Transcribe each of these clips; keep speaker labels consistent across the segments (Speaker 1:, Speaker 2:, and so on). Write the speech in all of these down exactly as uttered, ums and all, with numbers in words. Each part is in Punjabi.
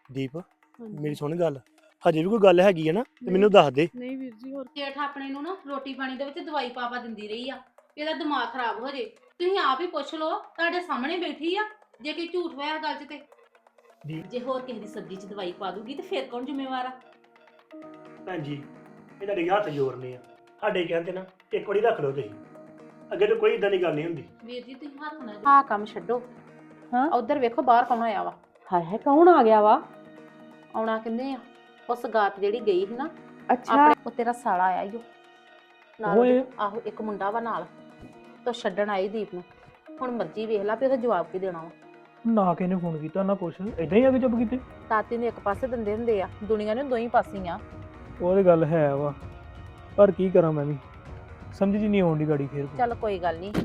Speaker 1: ਦੀਪ
Speaker 2: ਹਾਂਜੀ।
Speaker 1: ਮੇਰੀ ਸੁਣ ਗੱਲ, ਹਜੇ ਵੀ ਕੋਈ ਗੱਲ ਹੈਗੀ ਹੈ ਨਾ ਤੇ ਮੈਨੂੰ ਦੱਸ ਦੇ।
Speaker 2: ਨਹੀਂ ਵੀਰ ਜੀ ਹੋਰ
Speaker 3: ਜੇਠ ਆਪਣੇ ਨੂੰ ਨਾ ਰੋਟੀ ਪਾਣੀ ਦੇ ਵਿੱਚ ਦਵਾਈ ਪਾ ਪਾ ਦਿੰਦੀ ਰਹੀ ਆ ਵੀ ਇਹਦਾ ਦਿਮਾਗ ਖਰਾਬ ਹੋ ਜੇ। ਤੁਸੀਂ ਆਪ ਹੀ ਪੁੱਛ ਲਓ, ਤੁਹਾਡੇ ਸਾਹਮਣੇ ਬੈਠੀ ਆ। ਜੇ ਕੋਈ ਝੂਠ ਹੋਇਆ ਗੱਲ 'ਚ ਤੇ
Speaker 1: ਦੀ
Speaker 3: ਜੇ ਹੋਰ ਕਿਸੇ ਦੀ ਸਬਜ਼ੀ 'ਚ ਦਵਾਈ ਪਾ ਦੂਗੀ ਤੇ ਫਿਰ ਕੌਣ ਜ਼ਿੰਮੇਵਾਰ ਆ?
Speaker 1: ਭੈਣ ਜੀ ਇਹ ਤੁਹਾਡੇ ਹੱਥ ਜੋੜਨੇ ਆ, ਸਾਡੇ ਕਹਿੰਦੇ ਨਾ ਇੱਕ ਵਾਰੀ ਰੱਖ ਲਓ ਤੁਸੀਂ, ਅੱਗੇ ਤੋਂ ਕੋਈ ਇਦਾਂ ਦੀ ਗੱਲ ਨਹੀਂ ਹੁੰਦੀ।
Speaker 3: ਵੀਰ ਜੀ ਤੁਸੀਂ ਹੱਥ ਨਾ ਆਹ ਕੰਮ ਛੱਡੋ।
Speaker 4: ਹਾਂ
Speaker 3: ਉਧਰ ਵੇਖੋ ਬਾਹਰ ਕੌਣ ਆਇਆ ਵਾ।
Speaker 4: ਹਾਏ ਹਾਏ ਕੌਣ ਆ ਗਿਆ ਵਾ?
Speaker 3: ਆਉਣਾ ਕਿੰਨੇ ਆ? ਉਸ ਗਾਤ ਜਿਹੜੀ ਗਈ ਸੀ ਨਾ
Speaker 4: ਅੱਛਾ
Speaker 3: ਆਪਣੇ, ਉਹ ਤੇਰਾ ਸਾਲਾ ਆਇਆ ਈ ਓ ਨਾਲ
Speaker 4: ਓਏ।
Speaker 3: ਉਹਦੇ- ਆਹੋ ਇੱਕ ਮੁੰਡਾ ਵਾ ਨਾਲ, ਤੋ ਛੱਡਣ ਆਈ ਦੀਪ ਨੂੰ। ਹੁਣ ਮਰਜ਼ੀ ਵੇਖ ਲਾ ਵੀ ਉਹਦਾ ਜਵਾਬ ਕੀ ਦੇਣਾ ਵਾ।
Speaker 5: ਨਾ ਕਿਸੇ ਨੇ ਫੋਨ ਕੀਤਾ ਨਾ ਕੁਛ, ਇਦਾਂ ਹੀ ਆ ਕੇ ਚੁੱਪ ਕੀਤੇ।
Speaker 3: ਤਾਤੀ ਨੂੰ ਇੱਕ ਪਾਸੇ ਦਿੰਦੇ ਹੁੰਦੇ ਆ, ਦੁਨੀਆ ਨੂੰ ਦੋਈ ਪਾਸੀਆਂ।
Speaker 5: ਉਹ ਤੇ ਗੱਲ ਹੈ ਵਾ, ਪਰ ਕੀ ਕਰਾਂ ਮੈਂ ਵੀ, ਸਮਝ ਜੀ ਨਹੀਂ ਆਉਂਦੀ ਗਾੜੀ ਫੇਰ।
Speaker 3: ਚੱਲ ਕੋਈ ਗੱਲ ਨਹੀਂ।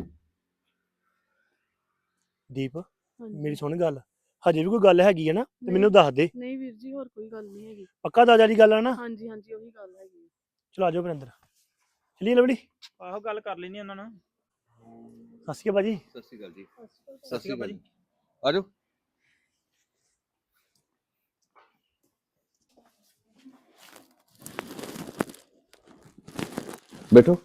Speaker 1: ਦੀਪ
Speaker 2: ਹਾਂਜੀ।
Speaker 1: ਮੇਰੀ ਸੁਣ ਗੱਲ, ਹਜੇ ਵੀ ਕੋਈ ਗੱਲ ਹੈਗੀ ਹੈ ਨਾ ਤੇ ਮੈਨੂੰ ਦੱਸ ਦੇ।
Speaker 2: ਨਹੀਂ ਵੀਰ ਜੀ ਹੋਰ ਕੋਈ ਗੱਲ ਨਹੀਂ ਹੈਗੀ।
Speaker 1: ਪੱਕਾ ਦਾਦਾ ਦੀ ਗੱਲ ਆ ਨਾ?
Speaker 2: ਹਾਂਜੀ ਹਾਂਜੀ ਉਹੀ ਗੱਲ ਹੈਗੀ।
Speaker 1: ਚਲੋ ਆਜੋ ਅੰਦਰ, ਚਲੀਏ ਲਵੜੀ।
Speaker 5: ਆਹੋ ਗੱਲ ਕਰ ਲੈਣੀ ਉਹਨਾਂ ਨਾਲ।
Speaker 1: ਸਤਿ ਸ਼੍ਰੀ ਅਕਾਲ ਭਾਜੀ।
Speaker 6: ਸਤਿ ਸ਼੍ਰੀ ਅਕਾਲ ਜੀ। ਸਤਿ ਸ਼੍ਰੀ ਅਕਾਲ ਜੀ। ਆ ਜਾਓ। ਬੈਠੋ।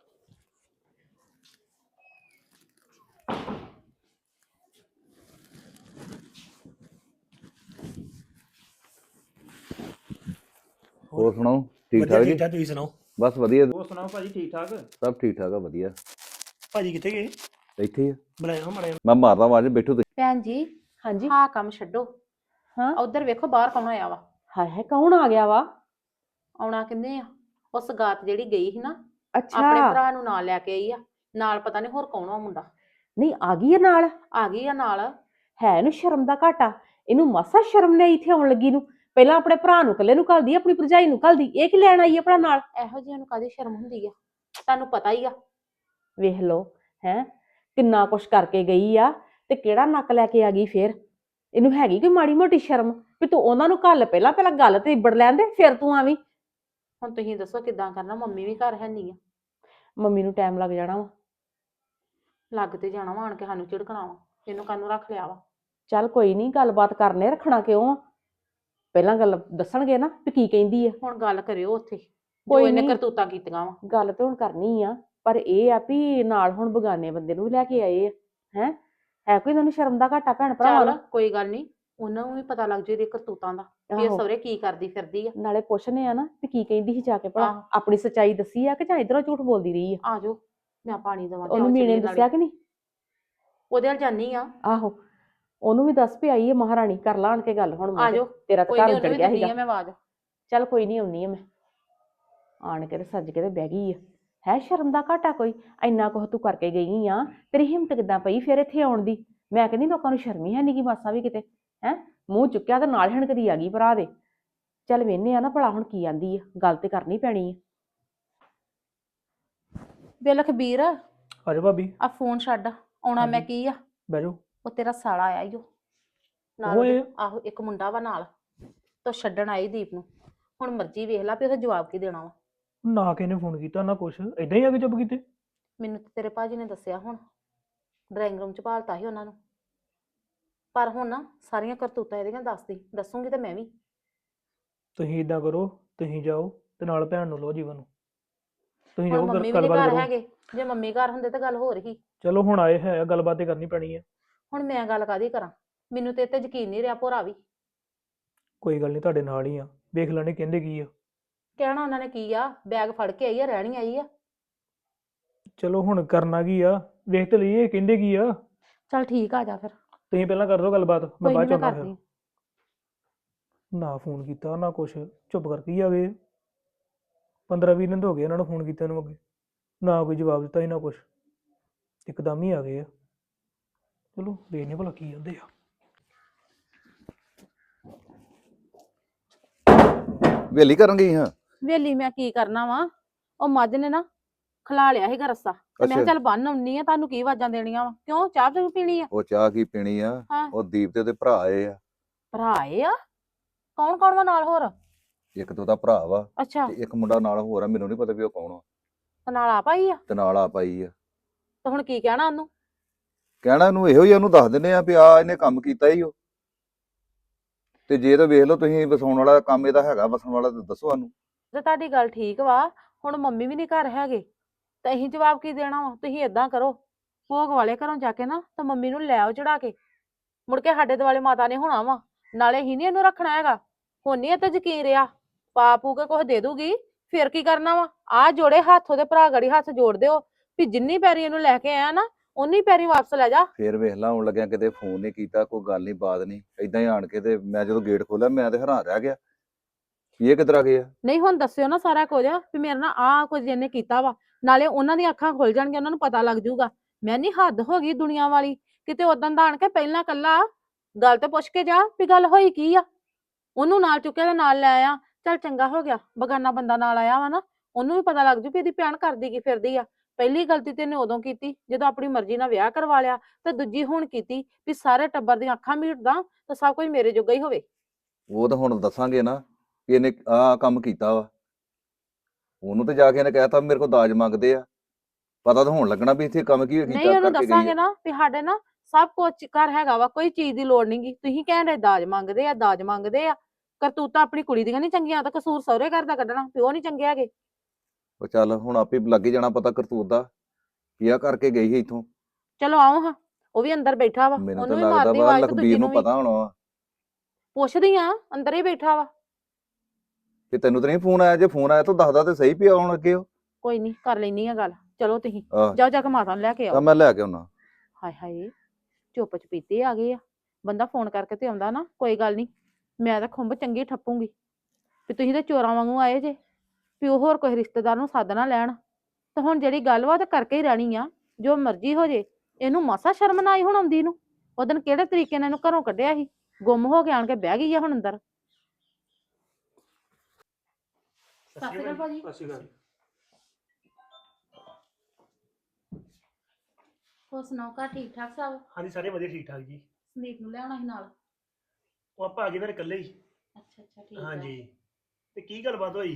Speaker 6: ਹੋਰ ਸੁਣਾਓ, ਠੀਕ
Speaker 1: ਵਧੀਆ
Speaker 6: ਠਾਕ ਜੀ?
Speaker 1: ਠੀਕ ਠਾਕ, ਤੁਸੀਂ ਸੁਣਾਓ?
Speaker 6: ਬਸ ਵਧੀਆ,
Speaker 5: ਹੋਰ ਸੁਣਾਓ ਭਾਜੀ, ਠੀਕ ਠਾਕ?
Speaker 6: ਸਭ ਠੀਕ ਠਾਕ ਆ, ਵਧੀਆ।
Speaker 1: ਭਾਜੀ ਕਿੱਥੇ ਗਏ?
Speaker 6: ਇੱਥੇ ਹੀ ਆ,
Speaker 1: ਬੁਲਾਇਆ ਮੜਿਆ।
Speaker 6: ਮੈਂ ਮਾਰਦਾ ਆਵਾਜ਼, ਬੈਠੋ ਤੁਸੀਂ।
Speaker 3: ਭੈਣ ਜੀ
Speaker 4: ਹਾਂਜੀ
Speaker 3: ਆਹ ਕੰਮ ਛੱਡੋ।
Speaker 4: ਹਾਂ
Speaker 3: ਉਧਰ ਵੇਖੋ ਬਾਹਰ ਕੌਣ ਆਇਆ ਵਾ।
Speaker 4: ਹਾਏ ਹਾਏ ਕੌਣ ਆ ਗਿਆ ਵਾ?
Speaker 3: ਆਉਣਾ ਕਿੰਨੇ ਆ? ਉਸ ਗਾਤ ਜਿਹੜੀ ਗਈ ਸੀ ਨਾ
Speaker 4: ਅੱਛਾ
Speaker 3: ਆਪਣੇ ਭਰਾ ਨੂੰ ਨਾਲ ਲੈ ਕੇ ਆਈ ਆ। ਨਾਲ ਪਤਾ ਨਹੀਂ ਹੋਰ ਕੌਣ ਆ ਮੁੰਡਾ।
Speaker 4: ਨਹੀਂ ਆ ਗਈ ਆ ਨਾਲ?
Speaker 3: ਆ ਗਈ ਆ ਨਾਲ।
Speaker 4: ਹੈ ਇਹਨੂੰ ਸ਼ਰਮ ਦਾ ਘਾਟਾ, ਇਹਨੂੰ ਮਾਸਾ ਸ਼ਰਮ ਨਹੀਂ ਇੱਥੇ ਆਉਣ ਲੱਗੀ ਨੂੰ। ਪਹਿਲਾਂ ਆਪਣੇ ਭਰਾ ਨੂੰ ਇਕੱਲੇ ਨੂੰ ਘੱਲਦੀ, ਆਪਣੀ ਭਰਜਾਈ ਨੂੰ ਘੱਲਦੀ, ਇਹ ਕੀ ਲੈਣ ਆਈ ਆਪਣਾ ਨਾਲ?
Speaker 3: ਇਹੋ ਜਿਹੀਆਂ ਨੂੰ ਕਾਹਦੀ ਸ਼ਰਮ ਹੁੰਦੀ ਆ? ਤੁਹਾਨੂੰ ਪਤਾ ਹੀ ਆ।
Speaker 4: ਵੇਖ ਲਓ ਹੈ ਕਿੰਨਾ ਕੁਛ ਕਰਕੇ ਗਈ ਆ ਤੇ ਕਿਹੜਾ ਨੱਕ ਲੈ ਕੇ ਆ ਗਈ ਫੇਰ। ਇਹਨੂੰ ਹੈਗੀ ਕੋਈ ਮਾੜੀ ਮੋਟੀ ਸ਼ਰਮ ਵੀ ਤੂੰ ਉਹਨਾਂ ਨੂੰ ਘੱਲ, ਪਹਿਲਾਂ ਪਹਿਲਾਂ ਗੱਲ ਤੇ ਇਬੜ ਲੈਣ ਦੇ ਫਿਰ ਤੂੰ ਆਵੀਂ।
Speaker 3: ਹੁਣ ਤੁਸੀਂ ਦੱਸੋ ਕਿੱਦਾਂ ਕਰਨਾ? ਮੰਮੀ ਵੀ ਘਰ ਹੈ ਨਹੀਂ ਆ।
Speaker 4: ਮੰਮੀ ਨੂੰ ਟਾਈਮ ਲੱਗ ਜਾਣਾ ਵਾ।
Speaker 3: ਲੱਗ ਤੇ ਜਾਣਾ ਵਾ, ਆਣ ਕੇ ਸਾਨੂੰ ਝਿੜਕਣਾ ਵਾ। ਇਹਨੂੰ ਕਾਹਨੂੰ ਰੱਖ ਲਿਆ ਵਾ?
Speaker 4: ਚੱਲ ਕੋਈ ਨਹੀਂ, ਗੱਲਬਾਤ ਕਰਨੇ, ਰੱਖਣਾ ਕਿਉਂ ਆ? ਪਹਿਲਾਂ ਗੱਲ ਦੱਸਣਗੇ ਨਾ ਵੀ ਕੀ ਕਹਿੰਦੀ ਆ।
Speaker 3: ਹੁਣ ਗੱਲ ਕਰਿਓ ਉੱਥੇ ਜੋ
Speaker 4: ਕੋਈ
Speaker 3: ਇਹਨੇ
Speaker 4: ਨੀ।
Speaker 3: ਕਰਤੂਤਾਂ ਕੀਤੀਆਂ ਵਾ।
Speaker 4: ਗੱਲ ਤੇ ਹੁਣ ਕਰਨੀ ਆ, ਪਰ ਇਹ ਆ ਵੀ ਨਾਲ ਹੁਣ ਬਗਾਨੇ ਬੰਦੇ ਨੂੰ ਵੀ ਲੈ ਕੇ ਆਏ ਆ। ਹੈ ਹੈ ਕੋਈ ਇਹਨਾਂ ਨੂੰ ਸ਼ਰਮ ਦਾ ਘਾਟਾ ਭੈਣ ਭਰਾਵਾਂ
Speaker 3: ਚੱਲ
Speaker 4: ਨੂੰ?
Speaker 3: ਕੋਈ ਗੱਲ ਨਹੀਂ, ਉਹਨਾਂ ਨੂੰ ਵੀ ਪਤਾ ਲੱਗ ਜੂ ਇਹਦੀ ਕਰਤੂਤਾਂ ਦਾ ਵੀ ਇਹ
Speaker 4: ਆਹੋ।
Speaker 3: ਸਹੁਰੇ ਕੀ ਕਰਦੀ ਫਿਰਦੀ ਆ।
Speaker 4: ਨਾਲੇ ਪੁੱਛਨੇ ਆ ਨਾ ਵੀ ਕੀ ਕਹਿੰਦੀ ਸੀ ਜਾ ਕੇ ਭਲਾ,
Speaker 3: ਆਹੋ।
Speaker 4: ਆਪਣੀ ਸੱਚਾਈ ਦੱਸੀ ਆ ਕਿ ਜਾਂ ਇਧਰੋਂ ਝੂਠ ਬੋਲਦੀ ਰਹੀ ਆ?
Speaker 3: ਆ ਜਾਓ, ਮੈਂ ਪਾਣੀ ਦੇਵਾਂ।
Speaker 4: ਉਹਨੂੰ ਮੀਣੇ ਦੱਸਿਆ ਕਿ ਨਹੀਂ?
Speaker 3: ਉਹਦੇ ਨਾਲ ਜਾਨੀ ਆ।
Speaker 4: ਆਹੋ ਉਹਨੂੰ ਵੀ ਦੱਸ ਵੀ ਆਈ ਹੈ ਮਹਾਰਾਣੀ, ਕਰ ਲਾ ਆਣ ਕੇ ਗੱਲ ਹੁਣ।
Speaker 3: ਆ ਜਾਓ,
Speaker 4: ਤੇਰਾ ਤਾਂ
Speaker 3: ਕੋਈ
Speaker 4: ਘਰ
Speaker 3: ਨਹੀਂ,
Speaker 4: ਉੱਜੜ
Speaker 3: ਉਹਨੂੰ ਵੀ
Speaker 4: ਗਿਆ
Speaker 3: ਦਿੰਦੀ
Speaker 4: ਸੀਗਾ।
Speaker 3: ਆ ਮੈਂ ਆਵਾਜ਼।
Speaker 4: ਚੱਲ ਕੋਈ ਨਹੀਂ, ਆਉਣੀ ਆ ਮੈਂ। ਆਣ ਕੇ ਤੇ ਸੱਜ ਕੇ ਤੇ ਬਹਿ ਗਈ ਆ। ਹੈ ਸ਼ਰਮ ਦਾ ਘਾਟਾ ਕੋਈ? ਇੰਨਾ ਕੁਛ ਤੂੰ ਕਰਕੇ ਗਈ ਆ, ਤੇਰੀ ਹਿੰਮਤ ਕਿੱਦਾਂ ਪਈ ਫਿਰ ਇੱਥੇ ਆਉਣ ਦੀ? ਮੈਂ ਕਹਿੰਦੀ ਲੋਕਾਂ ਨੂੰ ਸ਼ਰਮ ਹੀ ਹੈ ਨੀ ਗੀ ਮਾਸਾ ਵੀ ਕਿਤੇ। ਹੈ ਮੂੰਹ ਚੁੱਕਿਆ ਤੇ ਨਾਲ ਹਣਕਦੀ ਆ ਗਈ ਭਰਾ ਦੇ। ਚੱਲ ਵੇਹਨੇ ਆ ਨਾ ਭਲਾ ਹੁਣ ਕੀ ਆਂਦੀ ਆ, ਗੱਲ ਤੇ ਕਰਨੀ ਪੈਣੀ ਆ।
Speaker 3: ਬੇ ਲਖਬੀਰ,
Speaker 5: ਆ ਜਾਓ ਭਾਬੀ,
Speaker 3: ਆ ਫੋਨ ਛੱਡ। ਆਉਣਾ ਮੈਂ
Speaker 5: ਹਾਂਜੀ।
Speaker 3: ਕੀ ਆ?
Speaker 5: ਬਹਿ ਜਾਓ।
Speaker 3: ਉਹ ਤੇਰਾ ਸਾਲਾ ਆਇਆ ਈ ਓ ਨਾਲ
Speaker 5: ਓਏ।
Speaker 3: ਉਹਦੇ- ਆਹੋ ਇੱਕ ਮੁੰਡਾ ਵਾ ਨਾਲ, ਤੋ ਛੱਡਣ ਆਈ ਦੀਪ ਨੂੰ। ਹੁਣ ਮਰਜ਼ੀ ਵੇਖ ਲਾ ਵੀ ਉਹਦਾ ਜਵਾਬ ਕੀ ਦੇਣਾ ਵਾ।
Speaker 5: ਨਾ ਕਿਸੇ ਨੇ ਫੋਨ ਕੀਤਾ ਨਾ ਕੁਛ, ਇਦਾਂ ਹੀ ਆ ਕੇ ਚੁੱਪ ਕੀਤੇ।
Speaker 3: ਮੈਨੂੰ ਤੇ ਤੇਰੇ ਭਾਜੀ ਨੇ ਦੱਸਿਆ, ਹੁਣ ਡਰਾਇੰਗ ਰੂਮ ਚ ਭਾਲਤਾ ਸੀ ਉਹਨਾਂ ਨੂੰ। ਪਰ ਹੁਣ ਨਾ ਸਾਰੀਆਂ ਕਰਤੂਤਾਂ ਇਹਦੀਆਂ ਦੱਸਦੀ ਦੱਸੂਗੀ ਤੇ ਮੈਂ ਵੀ।
Speaker 5: ਤੁਸੀਂ ਇਦਾਂ ਕਰੋ, ਤੁਸੀਂ ਜਾਓ ਤੇ ਨਾਲ ਭੈਣ ਨੂੰ ਲਓ, ਜੀਵਨ ਨੂੰ। ਤੁਸੀਂ
Speaker 3: ਹੁਣ
Speaker 5: ਜਾਓ,
Speaker 3: ਮੰਮੀ ਵੀ ਨੀ
Speaker 5: ਗੱਲਬਾਤ
Speaker 3: ਘਰ
Speaker 5: ਕਰੋ।
Speaker 3: ਹੈਗੇ। ਜੇ ਮੰਮੀ ਘਰ ਹੁੰਦੇ ਤਾਂ ਗੱਲ ਹੋ ਰਹੀ।
Speaker 5: ਚਲੋ ਹੁਣ ਆਏ ਹੈ, ਗੱਲਬਾਤ ਤੇ ਕਰਨੀ ਪੈਣੀ ਆ।
Speaker 3: ਹੁਣ ਮੈਂ ਗੱਲ ਕਾਹਦੀ ਕਰਾਂ? ਮੈਨੂੰ ਤੇ ਇਹ ਤੇ ਯਕੀਨ ਨਹੀਂ ਰਿਹਾ ਭੋਰਾ ਵੀ।
Speaker 5: ਕੋਈ ਗੱਲ ਨਹੀਂ, ਤੁਹਾਡੇ ਨਾਲ ਹੀ ਆ, ਵੇਖ ਲੈਣੇ ਕਹਿੰਦੇ ਕੀ ਆ।
Speaker 3: ਕਹਿਣਾ ਉਹਨਾਂ ਨੇ ਕੀ ਆ? ਬੈਗ ਫੜ ਕੇ ਆਈ ਆ, ਰਹਿਣੀ ਆਈ ਆ।
Speaker 5: ਚਲੋ ਹੁਣ ਕਰਨਾ ਕੀ ਆ, ਵੇਖ ਤੇ ਲਈਏ ਕਹਿੰਦੇ ਕੀ ਆ।
Speaker 3: ਚੱਲ ਠੀਕ ਆ, ਜਾ ਫਿਰ।
Speaker 5: ਤੁਸੀਂ ਪਹਿਲਾਂ ਕਰ ਦਿਓ ਗੱਲਬਾਤ, ਮੈਂ
Speaker 3: ਕੋਈ
Speaker 5: ਬਾਅਦ
Speaker 3: ਨਹੀਂ
Speaker 5: ਚ
Speaker 3: ਮੈਂ
Speaker 5: ਆਉਣਾ ਫਿਰ।
Speaker 3: ਕਰਦੀ।
Speaker 5: ਨਾ ਫੋਨ ਕੀਤਾ ਨਾ ਕੁਛ, ਚੁੱਪ ਕਰਕੇ ਹੀ ਆ ਗਏ। ਪੰਦਰਾਂ ਵੀਹ ਦਿਨ ਤਾਂ ਹੋ ਗਏ ਇਹਨਾਂ ਨੂੰ ਫੋਨ ਕੀਤਾ ਨੂੰ ਅੱਗੇ, ਨਾ ਕੋਈ ਜਵਾਬ ਦਿੱਤਾ ਸੀ ਨਾ ਕੁਛ, ਇੱਕਦਮ ਹੀ ਆ ਗਏ ਆ। ਚਲੋ ਵੇਖਨੇ ਭਲਾ ਕੀ ਕਹਿੰਦੇ ਆ।
Speaker 6: ਵੇਲੀ ਕਰਨ ਗਈ ਹਾਂ?
Speaker 3: ਵੇਲੀ ਮੈਂ ਕੀ ਕਰਨਾ ਵਾ? ਉਹ ਮੱਝ ਨੇ ਨਾ ਖਲਾ ਲਿਆ ਸੀਗਾ ਰੱਸਾ, ਤੇ ਮੈਂ ਕਿਹਾ
Speaker 6: ਅੱਛਾ।
Speaker 3: ਚੱਲ ਬੰਨ ਆਉਣੀ ਆ। ਤੁਹਾਨੂੰ ਕੀ ਆਵਾਜ਼ਾਂ ਦੇਣੀਆਂ ਵਾ? ਕਿਉਂ, ਚਾਹ ਚੂਹ ਪੀਣੀ ਆ?
Speaker 6: ਉਹ ਚਾਹ ਕੀ ਪੀਣੀ ਆ?
Speaker 3: ਹਾਂ।
Speaker 6: ਉਹ ਦੀਪ ਤੇ ਉਹਦੇ ਭਰਾ ਆਏ ਆ।
Speaker 3: ਭਰਾ ਆਏ ਆ? ਕੌਣ ਕੌਣ ਵਾ ਨਾਲ ਹੋਰ?
Speaker 6: ਇੱਕ ਤਾਂ ਉਹਦਾ ਭਰਾ ਵਾ
Speaker 3: ਅੱਛਾ,
Speaker 6: ਤੇ ਇੱਕ ਮੁੰਡਾ ਨਾਲ ਹੋਰ ਆ, ਮੈਨੂੰ ਨਹੀਂ ਪਤਾ ਵੀ ਉਹ ਕੌਣ ਆ।
Speaker 3: ਤੇ ਨਾਲ ਆ ਪਾਈ ਆ?
Speaker 6: ਤੇ ਨਾਲ ਆ ਪਾਈ ਆ।
Speaker 3: ਤੇ ਹੁਣ ਕੀ ਕਹਿਣਾ ਉਹਨੂੰ?
Speaker 6: ਕਹਿਣਾ ਇਹਨੂੰ ਇਹੋ ਹੀ ਆ, ਉਹਨੂੰ ਦੱਸ ਦਿੰਦੇ ਆ ਵੀ ਆ ਇਹਨੇ ਕੰਮ ਕੀਤਾ ਹੀ ਉਹ। ਤੇ ਜੇ ਤਾਂ ਵੇਖ ਲਓ ਤੁਸੀਂ ਵਸਾਉਣ ਵਾਲਾ ਕੰਮ ਇਹਦਾ ਹੈਗਾ ਵਸਣ ਵਾਲਾ ਤਾਂ ਦੱਸੋ ਸਾਨੂੰ।
Speaker 4: ਤੇ ਤੁਹਾਡੀ ਗੱਲ ਠੀਕ ਵਾ, ਹੁਣ ਮੰਮੀ ਵੀ ਨਹੀਂ ਘਰ ਹੈਗੇ ਤੇ ਅਸੀਂ ਜਵਾਬ ਕੀ ਦੇਣਾ ਵਾ? ਤੁਸੀਂ ਏਦਾਂ ਕਰੋ, ਭੋਗ ਵਾਲੇ ਘਰੋਂ ਜਾ ਕੇ ਨਾ ਤਾਂ ਮੰਮੀ ਨੂੰ ਲੈ ਆਓ ਚੜਾ ਕੇ, ਮੁੜ ਕੇ ਸਾਡੇ ਦੁਆਲੇ ਮਾਤਾ ਨੇ ਹੋਣਾ ਵਾ, ਨਾਲੇ ਹੀ ਨਹੀਂ ਇਹਨੂੰ ਰੱਖਣਾ ਹੈਗਾ। ਹੁਣ ਨੀ ਇਹ ਤੇ ਯਕੀਨ ਰਿਹਾ, ਪਾ ਪੂ ਕੇ ਕੁਝ ਦੇ ਦੂਗੀ ਫਿਰ ਕੀ ਕਰਨਾ ਵਾ? ਆ ਜੋੜੇ ਹੱਥ ਉਹਦੇ ਭਰਾ ਗੜੀ ਹੱਥ ਜੋੜ ਦਿਓ ਵੀ ਜਿੰਨੀ ਪੈਰੀ ਇਹਨੂੰ ਲੈ ਕੇ ਆਇਆ ਨਾ ਉਨੀ ਪੈਰੀ ਵਾਪਸ ਲੈ ਜਾ।
Speaker 6: ਫੇਰ ਵੇਖ ਲਾ ਆਉਣ ਲੱਗਿਆ ਕਿਤੇ ਫੋਨ ਨਹੀਂ ਕੀਤਾ, ਕੋਈ ਗੱਲ ਨਹੀਂ ਬਾਤ ਨਹੀਂ, ਏਦਾਂ ਹੀ ਆਣ ਕੇ ਤੇ ਮੈਂ ਜਦੋਂ ਗੇਟ ਖੋਲਿਆ ਮੈਂ ਤੇ ਹੈਰਾਨ ਰਹਿ ਗਿਆ ਵੀ ਇਹ ਕਿੱਧਰ ਆ ਗਏ ਆ।
Speaker 4: ਨਹੀਂ ਹੁਣ ਦੱਸਿਓ ਨਾ ਸਾਰਾ ਕੁਝ ਵੀ ਮੇਰੇ ਨਾਲ ਆਹ ਕੁਝ ਇਹਨੇ ਕੀਤਾ ਵਾ, ਨਾਲੇ ਉਹਨਾਂ ਦੀਆਂ ਅੱਖਾਂ ਖੁੱਲ ਜਾਣਗੀਆਂ, ਉਹਨਾਂ ਨੂੰ ਪਤਾ ਲੱਗ ਜਾਊਗਾ। ਮੈਂ ਨਹੀਂ ਹੱਦ ਹੋ ਗਈ ਦੁਨੀਆ ਵਾਲੀ, ਕਿਤੇ ਉਦੋਂ ਦਾ ਆਣ ਕੇ ਪਹਿਲਾਂ ਕੱਲਾ ਗੱਲ ਤੇ ਪੁੱਛ ਕੇ ਜਾ ਵੀ ਗੱਲ ਹੋਈ ਕੀ ਆ। ਉਹਨੂੰ ਨਾਲ ਚੁੱਕਿਆ ਤੇ ਨਾਲ ਲੈ ਆਇਆ, ਚੱਲ ਚੰਗਾ ਹੋ ਗਿਆ ਬਗਾਨਾ ਬੰਦਾ ਨਾਲ ਆਇਆ ਵਾ ਨਾ, ਉਹਨੂੰ ਵੀ ਪਤਾ ਲੱਗ ਜੂ ਵੀ ਇਹਦੀ ਭੈਣ ਕਰਦੀ ਕੀ ਫਿਰਦੀ ਆ। ਪਹਿਲੀ ਗਲਤੀ ਤੇ ਇਹਨੇ ਉਦੋਂ ਕੀਤੀ ਜਦੋਂ ਆਪਣੀ ਮਰਜ਼ੀ ਨਾਲ ਵਿਆਹ ਕਰਵਾ ਲਿਆ, ਤੇ ਦੂਜੀ ਹੁਣ ਕੀਤੀ ਵੀ ਸਾਰੇ ਟੱਬਰ ਦੀਆਂ ਅੱਖਾਂ ਮੀਟਦਾ ਤਾਂ ਸਭ ਕੁਝ ਮੇਰੇ ਜੋਗਾ ਹੀ ਹੋਵੇ।
Speaker 6: ਉਹ ਤਾਂ ਹੁਣ ਦੱਸਾਂਗੇ ਨਾ ਵੀ ਇਹਨੇ ਆਹ ਕੰਮ ਕੀਤਾ ਵਾ। ਉਹਨੂੰ ਤੇ ਜਾ ਕੇ ਇਹਨੇ ਕਹਿਤਾ ਮੇਰੇ ਕੋਲ ਦਾਜ ਮੰਗਦੇ ਆ, ਪਤਾ ਤਾਂ ਹੋਣ ਲੱਗਣਾ ਵੀ ਇੱਥੇ ਕੰਮ ਕੀ ਕੀਤਾ
Speaker 4: ਨਹੀਂ ਉਹਨੂੰ
Speaker 6: ਕਰਕੇ ਗਈ
Speaker 4: ਦੱਸਾਂਗੇ
Speaker 6: ਆ।
Speaker 4: ਨਾ ਵੀ ਸਾਡੇ ਨਾ ਸਭ ਕੁਝ ਘਰ ਹੈਗਾ ਵਾ, ਕੋਈ ਚੀਜ਼ ਦੀ ਲੋੜ ਨਹੀਂਗੀ। ਤੁਸੀਂ ਕਹਿਣ ਦੇ ਦਾਜ ਮੰਗਦੇ ਆ ਦਾਜ ਮੰਗਦੇ ਆ, ਕਰਤੂਤਾਂ ਆਪਣੀ ਕੁੜੀ ਦੀਆਂ ਨਹੀਂ ਚੰਗੀਆਂ ਤਾਂ ਕਸੂਰ ਸਹੁਰੇ ਘਰ ਦਾ ਕੱਢਣਾ, ਪਿਓ ਨਹੀਂ ਚੰਗੇ ਹੈਗੇ।
Speaker 6: ਉਹ ਚੱਲ ਹੁਣ ਆਪੇ ਲੱਗ ਹੀ ਜਾਣਾ ਪਤਾ ਕਰਤੂਤ ਦਾ, ਕੀ ਆ ਕਰਕੇ ਗਈ ਸੀ ਇੱਥੋਂ।
Speaker 4: ਚਲੋ ਆਓ ਹਾਂ, ਉਹ ਵੀ ਅੰਦਰ ਬੈਠਾ ਵਾ,
Speaker 6: ਮੈਨੂੰ ਤਾਂ
Speaker 4: ਉਹਨੂੰ ਵੀ
Speaker 6: ਲੱਗਦਾ
Speaker 4: ਮਾਰਦੀ
Speaker 6: ਵਾ
Speaker 4: ਆਵਾਜ਼ ਤੇ ਦੂਜੀ
Speaker 6: ਲਖਬੀਰ
Speaker 4: ਨੂੰ
Speaker 6: ਨੂੰ
Speaker 4: ਵੀ
Speaker 6: ਪਤਾ ਹੋਣਾ ਵਾ।
Speaker 4: ਪੁੱਛਦੀ ਆ, ਅੰਦਰ ਹੀ ਬੈਠਾ ਵਾ।
Speaker 6: ਤੇ ਤੈਨੂੰ ਤਾਂ ਨਹੀਂ ਫੋਨ ਆਇਆ? ਜੇ ਫੋਨ ਆਇਆ ਤਾਂ ਦੱਸਦਾ ਤੇ ਸਹੀ ਪਿਆ ਆਉਣ ਅੱਗੇ ਉਹ।
Speaker 4: ਕੋਈ ਨਹੀਂ ਕਰ ਲੈਣੀ ਆ ਗੱਲ, ਚਲੋ ਤੁਸੀਂ
Speaker 6: ਆਹ
Speaker 4: ਜਾਓ ਜਾ ਕੇ ਮਾਤਾ ਨੂੰ ਲੈ ਕੇ ਆਓ।
Speaker 6: ਤਾਂ ਮੈਂ ਲੈ ਕੇ ਆਉਣਾ।
Speaker 4: ਹਾਏ ਹਾਏ ਚੁੱਪ ਚਪੀਤੇ ਆ ਗਏ ਆ, ਬੰਦਾ ਫੋਨ ਕਰਕੇ ਤੇ ਆਉਂਦਾ ਨਾ, ਕੋਈ ਗੱਲ ਨਹੀਂ ਮੈਂ ਤਾਂ ਖੁੰਬ ਚੰਗੀ ਠੱਪੂਗੀ ਵੀ ਤੁਸੀਂ ਤੇ ਚੋਰਾਂ ਵਾਂਗੂ ਆਏ ਜੇ, ਵੀ ਉਹ ਹੋਰ ਕੋਈ ਰਿਸ਼ਤੇਦਾਰ ਨੂੰ ਸੱਦ ਨਾ ਲੈਣ। ਤੇ ਹੁਣ ਜਿਹੜੀ ਗੱਲ ਵਾ ਉਹ ਤੇ ਕਰਕੇ ਹੀ ਰਹਿਣੀ ਆ, ਜੋ ਮਰਜ਼ੀ ਹੋ ਜੇ। ਇਹਨੂੰ ਮਾਸਾ ਸ਼ਰਮ ਨਾ ਆਈ ਹੁਣ ਆਉਂਦੀ ਨੂੰ? ਉਹ ਦਿਨ ਕਿਹੜੇ ਤਰੀਕੇ ਨਾਲ ਇਹਨੂੰ ਘਰੋਂ ਕੱਢਿਆ ਸੀ, ਗੁੰਮ ਹੋ ਕੇ ਆਣ ਕੇ ਬਹਿ ਗਈ ਆ ਹੁਣ ਅੰਦਰ।
Speaker 3: ਸਤਿ ਸ਼੍ਰੀ ਅਕਾਲ ਭਾਜੀ।
Speaker 1: ਸਤਿ ਸ਼੍ਰੀ ਅਕਾਲ।
Speaker 3: ਹੋਰ ਸੁਣਾਓ ਘਰ ਠੀਕ ਠਾਕ ਸਭ?
Speaker 1: ਹਾਂਜੀ ਸਾਰੇ ਵਧੀਆ ਠੀਕ ਠਾਕ ਜੀ।
Speaker 3: ਸੰਦੀਪ ਨੂੰ ਲਿਆਉਣਾ ਸੀ ਨਾਲ।
Speaker 1: ਉਹ ਆਪਾਂ ਆ ਗਏ ਫਿਰ ਇਕੱਲੇ ਹੀ।
Speaker 3: ਅੱਛਾ ਅੱਛਾ ਠੀਕ ਆ।
Speaker 1: ਹਾਂਜੀ ਤੇ ਕੀ ਗੱਲਬਾਤ ਹੋਈ?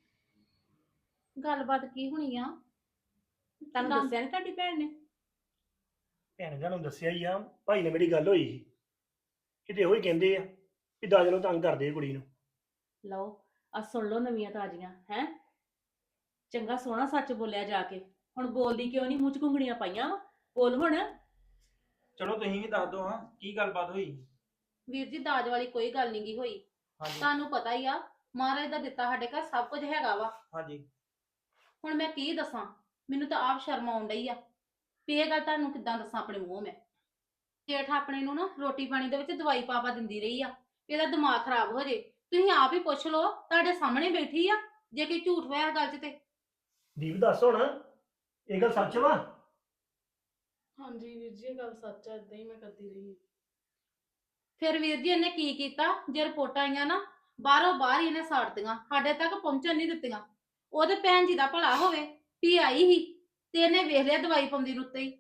Speaker 3: ਗੱਲਬਾਤ ਕੀ ਹੋਣੀ ਆ?
Speaker 4: ਤੁਹਾਨੂੰ
Speaker 3: ਨਾ-
Speaker 4: ਦੱਸਿਆ ਨੀ ਤੁਹਾਡੀ ਭੈਣ ਨੇ?
Speaker 1: ਭੈਣ ਜੀ ਨੂੰ ਦੱਸਿਆ ਹੀ ਆ, ਭਾਈ ਨੇ ਮੇਰੀ ਗੱਲ ਹੋਈ ਸੀ, ਕਿਤੇ ਉਹੀ ਕਹਿੰਦੇ ਆ ਵੀ ਦਾਜ ਨੂੰ ਤੰਗ ਕਰਦੇ ਆ ਕੁੜੀ ਨੂੰ।
Speaker 7: ਲਓ ਆ ਸੁਣ ਲਓ ਨਵੀਆਂ ਤਾਜ਼ੀਆਂ ਹੈ। ਚੰਗਾ ਸੋਹਣਾ ਸੱਚ ਬੋਲਿਆ ਜਾ ਕੇ, ਹੁਣ ਬੋਲਦੀ ਕਿਉਂ ਨਹੀਂ? ਮੂੰਹ ਚ ਘੁੰਗਣੀਆਂ ਪਾਈਆਂ ਵਾ, ਬੋਲ ਹੁਣ।
Speaker 8: ਚਲੋ ਤੁਸੀਂ ਵੀ ਦੱਸ ਦਿਓ ਹਾਂ ਕੀ ਗੱਲਬਾਤ ਹੋਈ।
Speaker 3: ਵੀਰ ਜੀ ਦਾਜ ਵਾਲੀ ਕੋਈ ਗੱਲ ਨਹੀਂ ਗੀ ਹੋਈ।
Speaker 8: ਹਾਂਜੀ
Speaker 3: ਤੁਹਾਨੂੰ ਪਤਾ ਹੀ ਆ ਮਹਾਰਾਜ ਦਾ ਦਿੱਤਾ ਸਾਡੇ ਘਰ ਸਭ ਕੁਝ ਹੈਗਾ ਵਾ।
Speaker 8: ਹਾਂਜੀ
Speaker 3: ਹੁਣ ਮੈਂ ਕੀ ਦੱਸਾਂ, ਮੈਨੂੰ ਤਾਂ ਆਪ ਸ਼ਰਮ ਆਉਣ ਡਈ ਆ ਵੀ ਇਹ ਗੱਲ ਤੁਹਾਨੂੰ ਕਿੱਦਾਂ ਦੱਸਾਂ ਆਪਣੇ ਮੂੰਹ ਮੈਂ। ਜੇਠ ਆਪਣੇ ਨੂੰ ਨਾ ਰੋਟੀ ਪਾਣੀ ਦੇ ਵਿੱਚ ਦਵਾਈ ਪਾਪਾ ਦਿੰਦੀ ਰਹੀ ਆ ਵੀ ਇਹਦਾ ਦਿਮਾਗ ਖਰਾਬ ਹੋ ਜੇ। ਤੁਸੀਂ ਆਪ ਹੀ ਪੁੱਛ ਲਓ, ਤੁਹਾਡੇ ਸਾਹਮਣੇ ਬੈਠੀ ਆ, ਜੇ ਕੋਈ ਝੂਠ ਹੋਇਆ ਗੱਲ 'ਚ ਤੇ।
Speaker 1: ਦੀਪ ਦੱਸ ਹੁਣ ਇਹ ਗੱਲ ਸੱਚ ਵਾ?
Speaker 2: ਹਾਂਜੀ ਵੀਰ ਜੀ ਇਹ ਗੱਲ ਸੱਚ ਹੈ, ਇਦਾਂ ਹੀ ਮੈਂ ਕਰਦੀ ਰਹੀ ਹਾਂ।
Speaker 3: ਫਿਰ ਵੀਰ ਜੀ ਇਹਨੇ ਕੀ ਕੀਤਾ, ਜੇ ਰਿਪੋਰਟਾਂ ਆਈਆਂ ਨਾ ਬਾਹਰੋਂ ਬਾਹਰ ਹੀ ਇਹਨੇ ਸਾੜਤੀਆਂ, ਸਾਡੇ ਤੱਕ ਪਹੁੰਚਣ ਨਹੀਂ ਦਿੱਤੀਆਂ। ਉਹਦੇ ਭੈਣ ਜੀ ਦਾ ਭਲਾ ਹੋਵੇ ਵੀ ਆਈ ਹੀ ਤੇ ਇਹਨੇ ਵੇਖ ਲਿਆ ਦਵਾਈ ਪਾਉਂਦੀ ਨੂੰ ਉੱਤੇ ਹੀ।